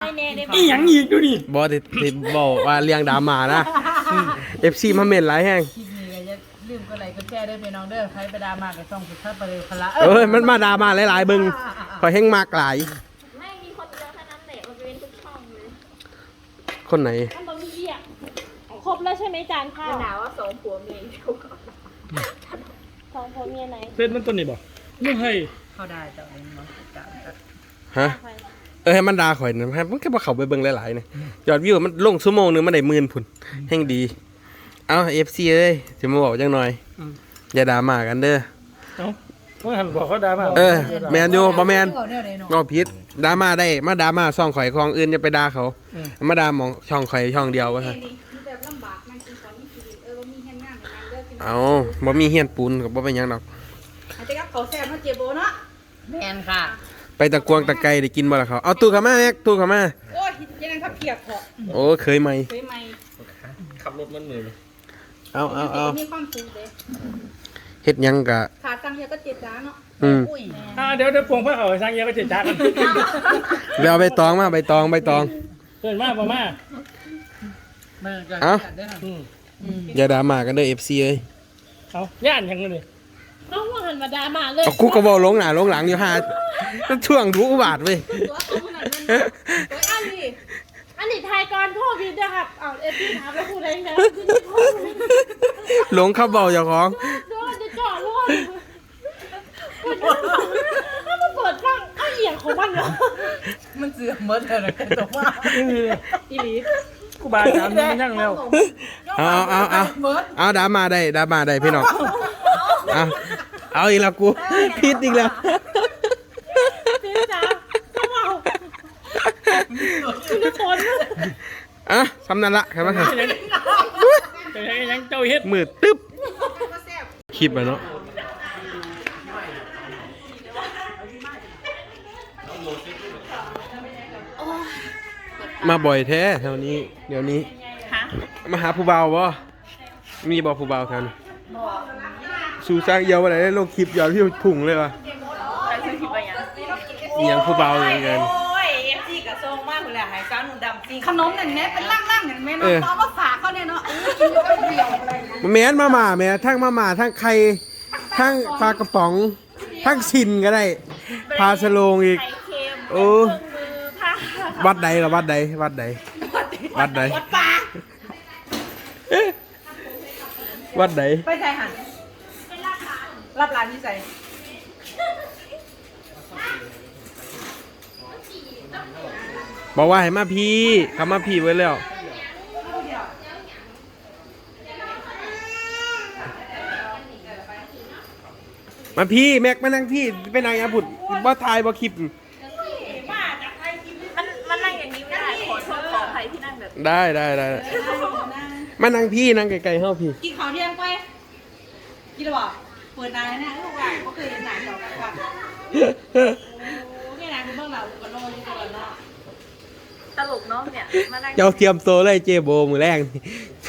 อีหยังอีกดูดิบอที่บอกว่าเรียงดราม่านะ FC มาเม่นหลายแห้งคลิปนี้ก็จะลืมก็ไหลก็แก้ด้วยพี่น้องเด้อใครไปดราม่าก็ต้องสุดท้ายไปเลยพละเอ้ยมันมาดราม่าหลายๆเบิ่งข่อยแห้งมากหลายไม่มีคนเดียวเท่านั้นแหละมันเป็นทุกช่องเลยคนไหนมันต้องมีเรียกครบแล้วใช่ไหมจานข้าวหนาวว่าสองผัวเมียเดียวกันสองผัวเมียไหนเส้นมันตัวนี้บ่ไม่ให้เข้าได้แต่เองเนาะจ้ะฮะให้มันด่าข่อยนะมันก็บ่เข้าไปเบิ่งหลายๆนี่ยอดวิวมันลงชั่วโมงนึงมันได้10,000พุ่นแห่งดี เอา FC เอ้ยสิมาบอกจังหน่อยอย่าด่ามากันเด้อเอ้าเมื่อหันบอกเขาด่ามาแมนอยู่บ่แมนเอาเนี่ยเลยเนาะก็ผิดด่ามาได้มาด่ามาช่องข่อยของอื่นอย่าไปด่าเขามาด่าหมองช่องข่อยช่องเดียวว่าซั่นเอาบ่มีเฮียนปูนก็บ่เป็นหยังดอกอาจจะกับเขาแซ่บเนาะเจ็บโบเนาะแมนค่ะไปตะกวงตะไกได้กินบ่ล่ะเขาเอาตู้เข้ามาแม็กตู้เข้ามาโอ้ยยังไงครับเพียกเหรอโอ้เคยไหมเคยไหมขับรถมันเหนื่อยเอามีความสุขเลยเฮ็ดหยังกะขาตังเฮียก็เจ็บจ้าเนาะอุ้ยเดี๋ยวพวงพระเขาสร้างเยอะก็เจ็ดจ้ากันไปเอาใบตองมาใบตองเดินมาบ่มาเมื่อจะเอ้าจัดได้ค่ะอย่าด่ามากันเด้อ FC เอ้ยเอาย่านยังเลยต้องว่าหันมาดราม่าเลยเอากูก็บ่ลงหน้าลงหลังอยู่หาช่วงทุกบาทเว้ยตัวเขาขนาดนั้นตัวอันนี้อันนี้ทายก่อนพ่อพี่นะครับเอาเอฟพี่ถามแล้วพูดอะไรนะหลงเข้าเบาเจ้าของโดนจะจ่อรอดถ้ามาเปิดฟังเอาเอียงของมันเหรอมันเสื่อมเมื่อเธอนะตัวว่าอีหลีกูบาถามมันยังแล้วเอาด่ามาได้พี่น้องเอาอีกแล้วกูผิดอีกแล้วพี่จ๋าเขาเมาคุณจะฝนสำนันละครับว่าแต่ยังเจ้าเฮ็ดมืดตึ๊บคลิปอะเนาะมาบ่อยแท้แถวนี้เดี๋ยวนี้มาหาผู้เบาบ่มีบ่ผู้เบาแถวนี้สู่สร้างเยาวอะไรได้ลงคลิปยอดที่พุ่งเลยวะยังผู้เบาอย่างเงี้ยโอ้ยเอฟซีกับโซงมากเลยหายก้าวหนุ่มดำจริงขนมนั่นแม่เป็นล่างๆอย่างแม่เนาะเอามาฝากเขาเนี่ยเนาะกินก็เดียวอะไรแม้นมาม่าแม่ทั้งมาม่าทั้งไข่ทั้งปลากระป๋องทั้งชินก็ได้พาสโลงอีกไข่เค็มโอ้มือผ้าวัดใดล่ะวัดใดวัดปลาวัดใดไปใส่หันรับร้านที่ใส่บอกว่าให้มาพี่เขามาพี่ไว้แล้วมาพี่แม็กมานั่งพี่ไปนั่งยาผุดบ่ถ่ายบ่คลิปมันนั่งอย่างนี้ไม่ได้ขอโทษขออภัยที่นั่งแบบได้มานั่งพี่นั่งไกลๆเฮาพี่กินข้าวเที่ยงไปกินหรือเปล่าเปิดนานแล้วเนี่ยลูกหลานก็เคยนานต่อกันว่านี่นะคุณเบื้องหลังก็รออยู่ตลอดเนาะตลกเนาะเนี่ยมานั่งเจ้าเตรียมโตเลยเจโบมือแรกนี่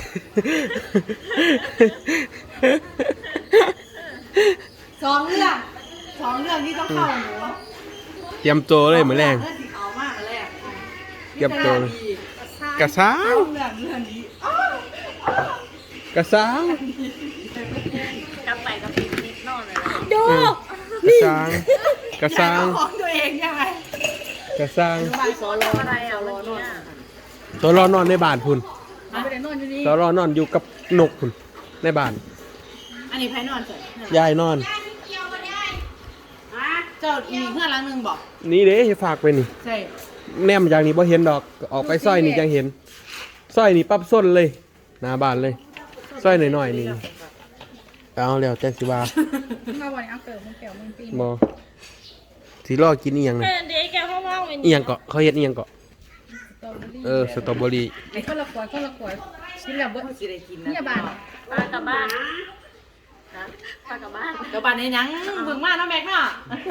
สองเรื่องที่ต้องเข้าหนูเตรียมโตเลยมือแรกเรื่องสีขาวมากเลยเตรียมโตเลยกระซ้าเรื่วองนี้กระซ้าวกลับไปกับพี่นิดนอนเลยนะกระซ้างของตัวเองใช่ไหมกระซ้างบ่ายสอนรออะไรอ่ะวันนี้ตัวรอนอนในบ้านพุ่นไม่ได้นอนอยู่นี่ตัวรอนอนอยู่กับนกพุ่นในบ้านอันนี้ไพ่นอนเสร็จยายนอนเจ้ามีเพื่อนรังนึงบอกนี่เด้ฝากไปนี่ใช่แนมอย่างนี้บ่เห็นดอกออกไปซอยนี่จังเห็นซอยนี่ปั๊บส้นเลยหน้าบ้านเลยซอยหน่อยๆนี่เอาแล้วแจ้งสิว่ามาวันนี้เอาเกิดมันเกี่ยวมันปีนบ่สิรอกินอีหยังนะเด็กแกเขาว่างเป็นอีหยังเกาะเขาเฮ็ดอีหยังเกาะสตรอเบอรี่ไอ้ข้าวละกวยกินแบบว่าสิได้กินนะเนี่ยบ้านปลากลับบ้านนะปลากลับบ้านเดี๋ยวบ้านนี้ยังเบิ่งมาเนาะแม็กเนาะ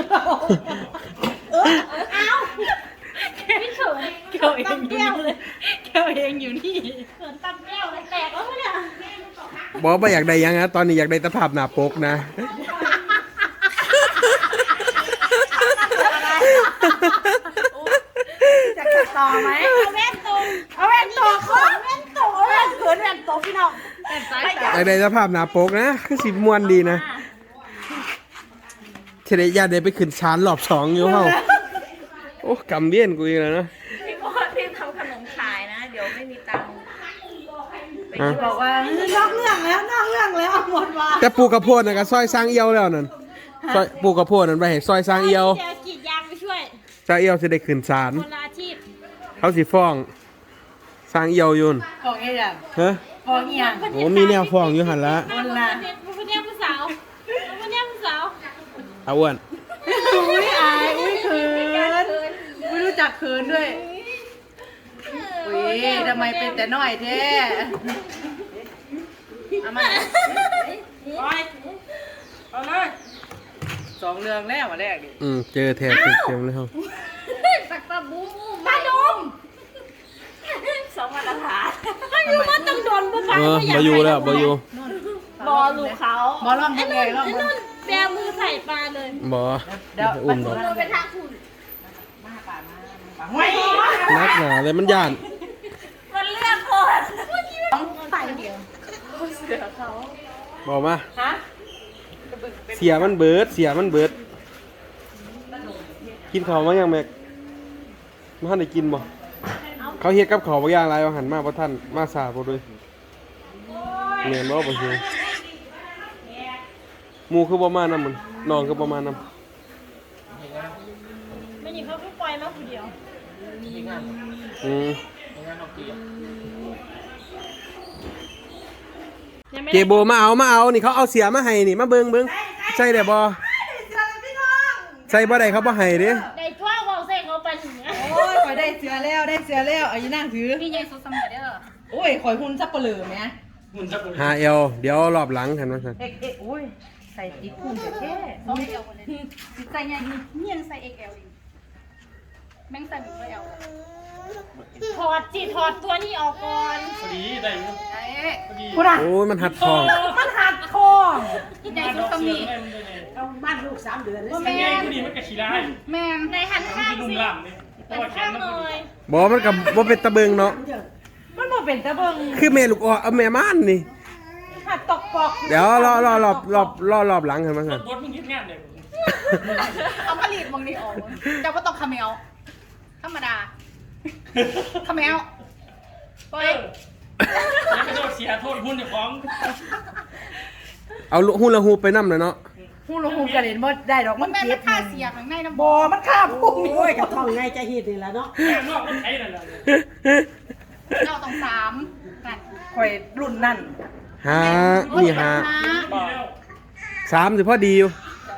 ไม่เขินเกี่ยวเองอยู่นี่เกี่ยวเองอยู่นี่เขินตำแก้วเลยแตกแล้วเนี่ยบอกว่าอยากได้หยังนะตอนนี้อยากได้ตะภาพหน้าปกนะจากตต่อไหมเอาแว่นตรงเอาแว่นต่อคนแว่นต่อแว่นเขินแว่นต่อพี่น้องแว่นสายตาอยากได้สภาพหน้าปกนะคือสิม่วนดีนะเทเลญาติได้ไปขึ้นชานรอบ2อยู่เฮาโอ้กำเบี้ยนกูอีกแล้วนะพี่โก้พี่ทำขนมขายนะ เดี๋ยวไม่มีตังค์ไปฮะบอกว่านอกเรื่องแล้วหมดว่าแต่ปลูกกระโพดน่ะก็ซอยสร้างเอียวแล้วนั่นซอยปลูกกระโพดนั่นไปให้ซอยสร้างเอียวจะกรีดยางไปช่วยสร้างเอียวสิได้ขึ้นศาลคนละอาชีพเขาสิฟ้องสร้างเอียวอยุ่นของเอี่ยงฮะของเอี่ยงโอ้มีแนวฟ้องอยู่หั่นละคนละคนเนี้ยผู้สาวคนเนี้ยผู้สาวเอาอ้วนอุ้ยอายอุ้ยเขินไม่รู้จักเขินด้วยอุ้ยทำไมเป็นแต่น้อยแท้เอามาเอาเลย2 เรื่องแล้วมาแรกดิเจอแทบเต็มๆเลยครับสักตะบูมตาดมสองมาตรฐานไม่รู้ว่าต้องโดนผู้ชายบ่อยู่แล้วบ่อยู่บอลูกเขาบอลล่องยังไงล่องไอ้บอลนุ่นแบมือใส่ปลาเลยบ่เดี๋ยวอุ้มดอกมันเป็นทางคุณไม่นักหนาเลยมันย่านมันเลือกคนต้องใส่เดียวบอกมาฮะเสียมันเบิดกินข้าวมายังแม็กมาทันได้กินบ่เขาเฮ็ดกับข้าวบางอย่างหลายว่าหันมาบ่ทันมาสาบ่ด้วยแม่นบ่บ่เฮียหมู่คือบ่มานำมันน้องคือบ่มานำไม่หนีเขาก็ปล่อยมาคนเดียวเจโบมาเอานี่เขาเอาเสียมาให้นี่มาเบิ่งใช่ได้บ่ใส่บ่ได้เขาบ่ให้เด้ในทั่วของเซ็งเขาไปถึงเนี้ยโอ้ยข่อยได้เสือแล้วเอาอยู่นั่งถือพี่ใหญ่สุดสมัยเด้อโอ้ยข่อยหุ่นซับเปลือไหมหุ่นจับหุ่นหาเอวเดี๋ยวรอบหลังกันว่าซั่นเอ็กโอ้ยใส่ติ๊กหุ่นแค่ต้องเอลเลยใส่ยังนี่ยังใส่ XL อยู่แม่งใส่หมดเลย L ถอดตัวนี้ออกก่อนพอดีได้อยู่ไอ้พอดีคุณอ่ะโอ้ยมันหัดทองมันหัดคอพี่ใหญ่สุดสมัยบ้านลูก3 เดือนเลยว่าแม่พอดีมันกระชีได้แม่นในหันข้างนุ่มสิล่ำเลยเพหัราะนว่าแขข้าน งมันหพอน่อดียบ่มันก็บ่เป็นตะเบิงเนาะมันบ่เป็นตะเบิงคือแม่ลูกอ่อเอาแม่ม่านนี่หัดตอกปอกเดี๋ยวรอบหลังกันมาสั่นบดมึงยึดงานเลยเอาผลิตมองนี่ออกเจ้าก็ต้องคาเมลธรรมดาคาเมลไปแล้วก็โดนเสียโทษหุ้นเจ้าของเอาหุ่นละฮูปไปนำเลยเนาะฮู้ลงฮู้กระเด็นบ่ได้ดอกมันเจ็บค่าเสียข้างในน้ำบ่มันค่าพวกนี้โอ้ยกับท้องไงจะเฮ็ดนี่แหละเนาะแม่นอกมันใช้นั่นแหละเราต้อง3นั่นข่อยรุ่นนั่นหานี่หาบอกแล้ว 3สิพอดีอยู่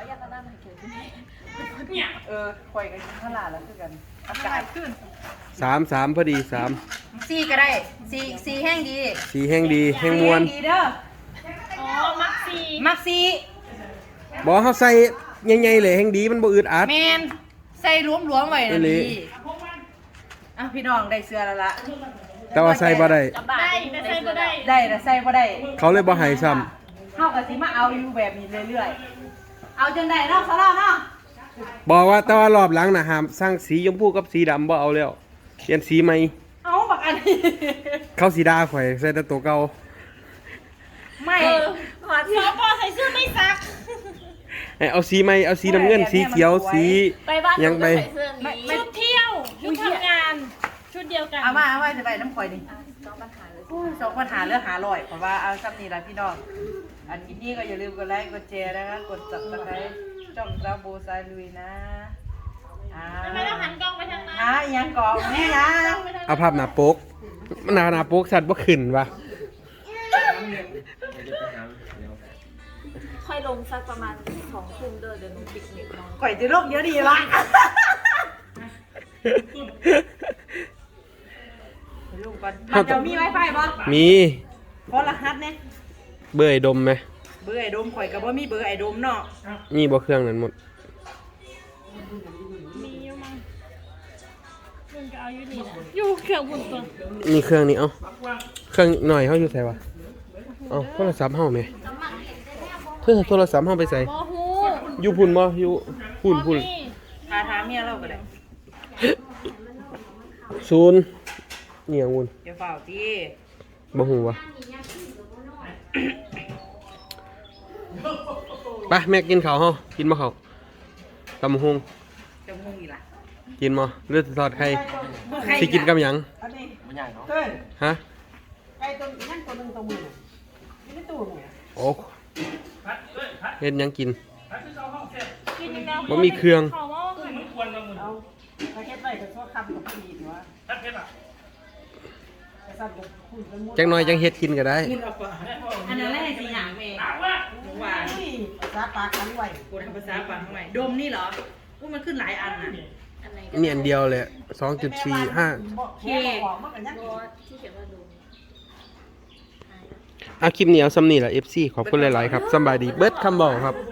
เนี่ยข่อยกันข้างล่างแล้วคือกันอากาศขึ้น 3พอดี3 4ก็ได้4แห้งดี 4แห่งดีแห่งมวลดีเด้ออ๋อมักซีมักซีบ่เฮาใส่ใหญ่ๆเลยแห่งดีมันบ่อึดอัดแมนใส่รวมๆไว้นะอีหลีดีอ่ะพี่น้องได้เสื้อแล้วล่ะแต่ว่าใส่บ่ได้ได้แต่ใส่บ่ได้ได้แต่ใส่บ่ได้เขาเลยบ่ให้ซ้ำเฮาก็สิมาเอาอยู่แบบนี้เรื่อยๆเอาจนได้เนาะซะแล้วเนาะบอกว่าแต่ว่ารอบหลังน่ะห้ามสร้างสีชมพูกับสีดำบ่เอาแล้วเปลี่ยนสีใหม่เอาบักอันนี้เขาสีดาข่อยใส่แต่ตัวเก่าไม่สอปอใส่เสื้อไม่ซักให้เอาสีใหม่เอาสีน้ำเงินสีเขียวสีไปบ้านยังไปใส่เสื้อนี้ชุดเที่ยวชุดทำงานชุดเดียวกันเอามาจะไปน้ำข่อยนี่2ปัญหาเรื่องหาลอยเพราะว่าเอาซ้ำนี่ล่ะพี่น้องอันนี้ก็อย่าลืมกดไลค์กดแชร์นะคะกด Subscribe ช่องซาโบซาลุยนะทำไมต้องหันกล้องไปทางนั้นอีหยังกองนี่นะเอาภาพหน้าปกหน้าปกสัตว์บ่ขึ้นวะค่อยลงสักประมาณ2 ทุ่มเดี๋ยวหนูปิกนิกนอนข่อยจะโรคเดี๋ยวดีละลูกก่อนมันจะมี Wi-Fi บ่มีขอรหัสเนี่ยเบอร์ไอ้ดมไหมเบอร์ไอ้โดมข่อยก็บ่มีเบอร์ไอ้โดมเนาะมีบ่เครื่องนั้นหมดมีอยู่มั้งมึงก็เอาอยู่นี่นะอยู่เครื่องบุญตัวมีเครื่องนี้เอาเครื่องหน่อยเฮาอยู่ไสวะเอาโทรศัพท์เฮาแหมโทรศัพท์เฮาไปใส่โมฮูอยู่พุ่นบ่อยู่พุ่นพาถามเมียเราก็ได้โซ 90นี่องุ่นเดี๋ยวเฝ้าที่บ่ฮู้วะไปแม่กินข้าวเฮากินบ่ข้าวตำบักหุ่งจะมุ่งอีกล่ะกินบ่หรือทอดไข่สิกินกับหยังอันนี้มันใหญ่เนาะเต้ยฮะไก่ตัวนั่นตัวหนึงตัวมือน่ะนี่ไม่ตู้เนี่ยโอ้พัดเอ้ยพัดเฮ็ดหยังกินพัดที่เราห้องเสร็จกินอีกแล้วบ่มีเครื่องเขาว่ามันควรมาหมุนเอาไปเฮ็ดไว้ก็ชั่วคำกับพี่ดีว่าพัดเพชรอ่ะจะสั่นกับคุณเป็นมุดจังน้อยจังเฮ็ดกินก็ได้กินเอาปะอันนั้นแหละสิหางแม่ถามว่าหวานภาษาปากขันไหวกูทำภาษาปากขันไหวดมนี่เหรออุ้ยมันขึ้นหลายอันน่ะอันไหนนี่อันเดียวเลย2.45 เคออกมันก็ยังที่เขียนว่าดูคลิปนี้เอาซ้ำนี่แหละ FC ขอบคุณหลาย ๆ ครับสำบายดีเบิดคำบอกครับ